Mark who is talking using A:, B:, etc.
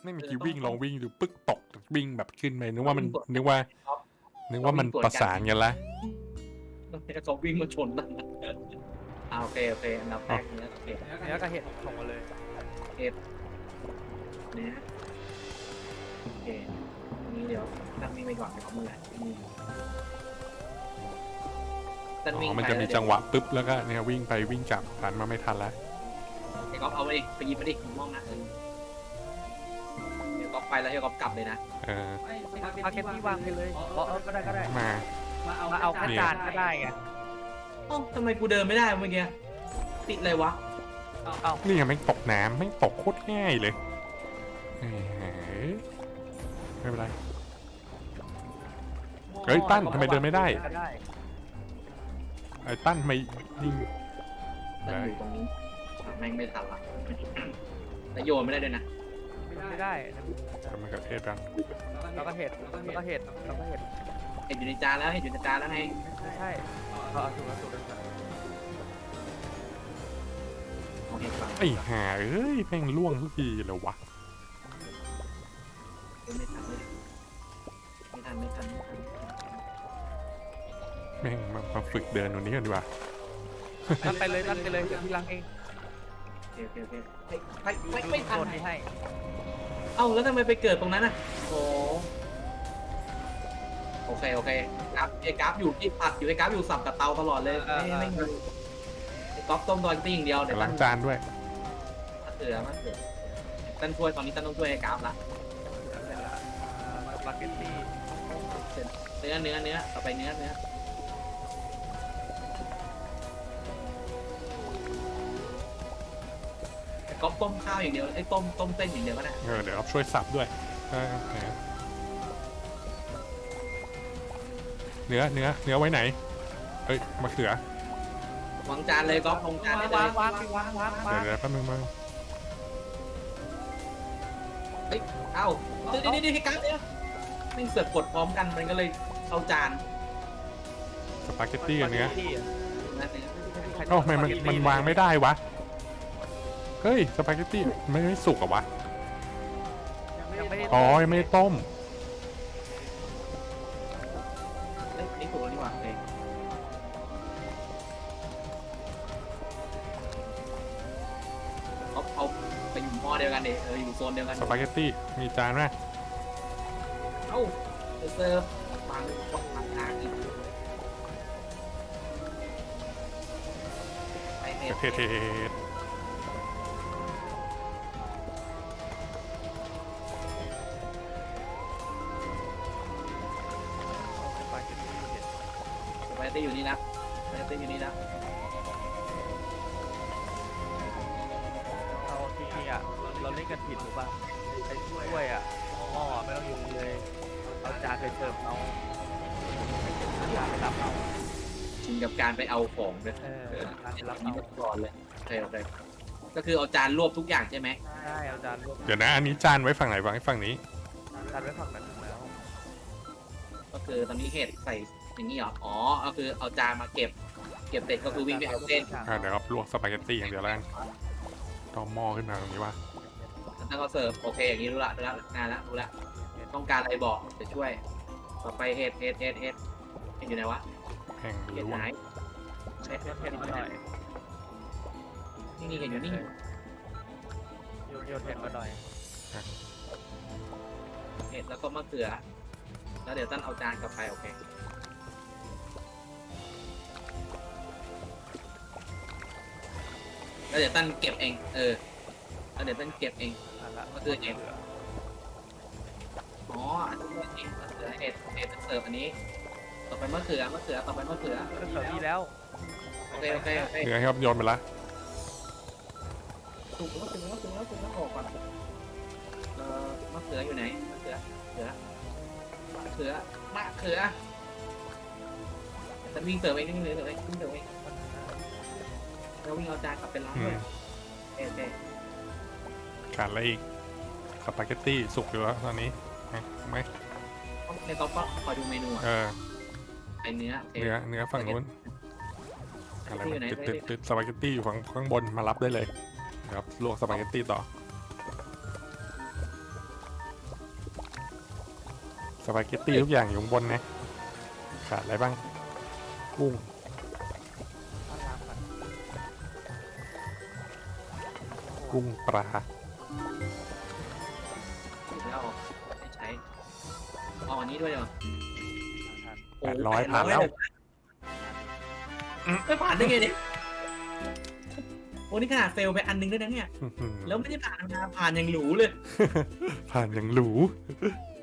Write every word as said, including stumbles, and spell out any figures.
A: ไม่มีกี่วิ่งลองวิ่งดูปึ๊กตกวิ่งแบบขึ้นไปนึกว่ามันนึกว่านึกว่ามันประสานกันละ
B: เขาวิ่งมาชนกันอ่าโอเคโอเคอันดับแรกเนี้ยโอเค
C: เนื้อกับเห็ดส่งมาเลย
B: เอ็ดเนี้ยโอเคนี้เดี๋ยวตั้งวิ่งไปก่อนเดี๋ยวเขาเมื่อไหร่ตั้ง
A: อ๋
B: วิ่ง
A: อมันจะมีจังหวะปึ๊บแล้วก็เนี่ยวิ่งไปวิ่งกลับผ่านมาไม่ทันแล้ว
B: เดี๋ยวก๊อฟเอาไปดิไปหยิบไปดิมองนะเออเดี๋ยวก๊อฟไปแล้วเดี๋ยวก๊อฟกลับเลยนะ
A: เออ
C: พาเก็ตที่วางไปเลยเออก็ได้ก็ได้
A: มา
C: มาเอาแค่จานก็ได้ไง
B: เอ้าทำไมกูเดินไม่ได้เมื่อกี้ติดอะไรวะ
C: เอา
A: นี่ยังไม่ตกน้ำไม่ตกโคตรง่ายเลยเฮ้ยไม่เป็นไรเฮ้ยตั้นทำไมเดินไม่ได้ไอ้ตั้นทำไมยิง
B: ตั้งอยู่ตรงนี้อ่ะแม่งไม่ทันละแล้วโยนไม่ได้ด้วยนะ
C: ไม่ได้
A: ทำมันกับเทศกัน
C: แล้วก็เห็ดแล้วก็เห็ดแล้วก็เห็ด
B: เห็นอยู่ในจานแล้วเห็นอยู่ในจานแล้วไง
C: ใช่เอาถูกแล้วถูกแล้ว
B: โอเคฟัง
A: ไอ้ห่าเอ้ยแม่งล่วงทุกทีเลยวะ
B: ไม่ทันเลยไม่ทันไม่ทันไม่ทัน
A: แม่งมามาฝึกเดินตรงนี้กันดีกว่า
C: ตั้นไปเลยตั้นไปเลยเดี๋ยวพี่ล้างเอง
B: โอเคโอเคโอเคไปไปไม่ทัน
C: โดนที่ให้
B: เอ้าแล้วทำไมไปเกิดตรงนั้นน่ะโอ้โอเคโอเคกราฟไอ้กราฟอยู่ที่ผัดอยู่ไอ้กราฟอยู่สับกับเตาตลอดเลยไม่ไม่ไม่ไอ้ก๊อฟต้มดอยติ้งเดียวเดี๋ยว
A: ล้างจานด้วย
B: มาเสือมาเสือตั้นช่วยตอนนี้ตั้นต้องช่วยไอ้กราฟละ
C: สปาเกตตี้
B: เนื้อเนื้อเนื้อต่อไปเนื้อเนื้อไอ้ก๊อฟต้มข้าวอย่างเดียวไอ้ต้มต้มเส้นอย่างเดียวก็ได้
A: เออเดี๋ยวช่วยสับด้วยเออเนื้อเนื้อเนื้อไว้ไหนเอ้ยมะเขือ
B: วางจานเลยก๊อฟวางจานได้เล
C: วาง
B: ยว
C: างวางวางวาง
A: เดี๋ยวเดี๋ยวแป๊บนึงมา
B: เฮ้ยเอ้าเดี๋ยวเดี๋ยวเดี๋ยวให้กราฟเนี่ยไม่เสือกกดพร้อมกันมันก็เลยเข้าจาน
A: สปาเกตตี้กับเนื้อ
B: นะเนื้อ
A: เอ้าทำไมมันมันวางไม่ได้วะเฮ้ยสปาเกตตี้ไม่ไม่สุกเหรอวะ
C: ยังไม่ได้
A: อ๋อยังไม่ได้ต้ม
B: เฮ้ยนี่ถูกแล้วนี่หว่าโอเคเอาเอาไปอยู่หม้อเดียวกันดิเอออยู่โซนเดียวกัน
A: สปาเกตตี้มีจานไหม
B: เอ้าจะเสิร์ฟฟังฟังทางทางอีกไปเน็ต
A: เทเทศ
C: สปาเกตตี้เห็ด
B: ไปเต้อยู่นี่นะไปเต้อยู่นี่นะ
C: เอาจริงๆอ่ะเราเล่นกันผิดหรือเปล่าไอ้ถ้วยอ่ะหม้อไม่ต้องอยู่เลยเอาจานไปเสิร์ฟเอาจานไปรับเอา
B: ชินกับการไปเอาของเลย
C: เออจานไปรับ
B: นี่
C: เอา
B: มาก่อนเลยโอเคโอเคก็คือเอาจานรวบทุกอย่างใช่ไหม
C: ใช่เอาจานรวม
A: เดี๋ยวนะอันนี้จานไว้ฝั่งไหนวางไว้ฝั่งนี้
C: จานไว้ฝั่งนั้นแล้ว
B: ก็คือตอนนี้เห็ดใส่อย่างนี้เหรออ๋อก็คือเอาจานมาเก็บ เก็บเสร็จก็คือวิ่งไปเอาเส้น
A: อ่าเดี๋ยวครับลวกสปาเกตตี้อย่างเดียวแล้วกันต้องหม้อขึ้นมาตรงนี้ว่า
B: แล้วก็เสิร์ฟโอเคอย่างนี้รู้ละรู้ละงานละรู้ละต้องการอะไรบอกจะช่วย ต่อไปเห็ดเห็ดเห็ดเห็ดเห็ดอยู่ไหนวะ
A: แห้ง
B: เห็ด
A: ล้
B: ไห
A: วน
B: เห็ด
C: เพิ่มเผ็ดมาหน่อย
B: นี่นี่เห็ดอยู่นี่
C: โยนโยนเผ็ดมาหน่อย
B: เห็ดแล้วก็มะเขือ แล้วเดี๋ยวตั้นเอาจานกลับไปโอเคแล้วเดี๋ยวตั้นเก็บเองเออแล้วเดี๋ยวตั้นเก็บเอง
C: อ่ะละ
B: ก็คือเห็ด อ๋ออันนี้เองมะเขือเห็ดเห็ดเสิร์ฟอันนี้ ต่อไปมะเขือมะเขือต่อไปมะเขือ
C: ก็เสิร์ฟดีแล้ว
B: โอเคโอเคโอเค
A: เนื้อครับโยนไปละ
B: ถูกแล้วถูกแล้วถูกแล้วถูกแล้วออกก่อนเอ่อมะเขืออยู่ไหนมะเขือเขือมะเขือมะเขือฉันวิ่งเสิร์ฟเองวิ่งเสิร์ฟเองวิ่งเสิร์ฟเองแล้ววิ่งเอาจานกลับไปล้าง
A: อื
B: ด้ว
A: ม
B: ยโอเคโอเค
A: ขาดอะไรอีกสปาเกตตี้สุกอยู่แล้วตอนนี้นะถูกไหม
B: ในต๊อกก็คอยดูเมนูอ่ะ
A: เออ
B: ไอเนื้อโอเค
A: เนื้อเนื้อฝั่งนู้นอะไรมันติดติดติดสปาเกตตี้อยู่ข้างข้างบนมารับได้เลยนะครับลวกสปาเกตตี้ต่อสปาเกตตี้ทุกอย่างอยู่ข้างบนนะขาดอะไรบ้างกุ้ง
C: เอาน้ำก่อน
A: กุ้งปลา
B: แล้วไม่ใช้เอาอันนี้ด้วยเหรอ
C: ทาน
A: แปดร้อยผ่านแล้ว
B: ไม่ผ่านได้ไงเนี่ยโอ้นี่ขนาดเฟลไปอันนึงด้วยนะเนี่ย
A: อื้อหือ
B: แล้วไม่ได้ผ่านธรรมดาผ่านอย่างหรูเลย
A: ผ่านอย่างหรู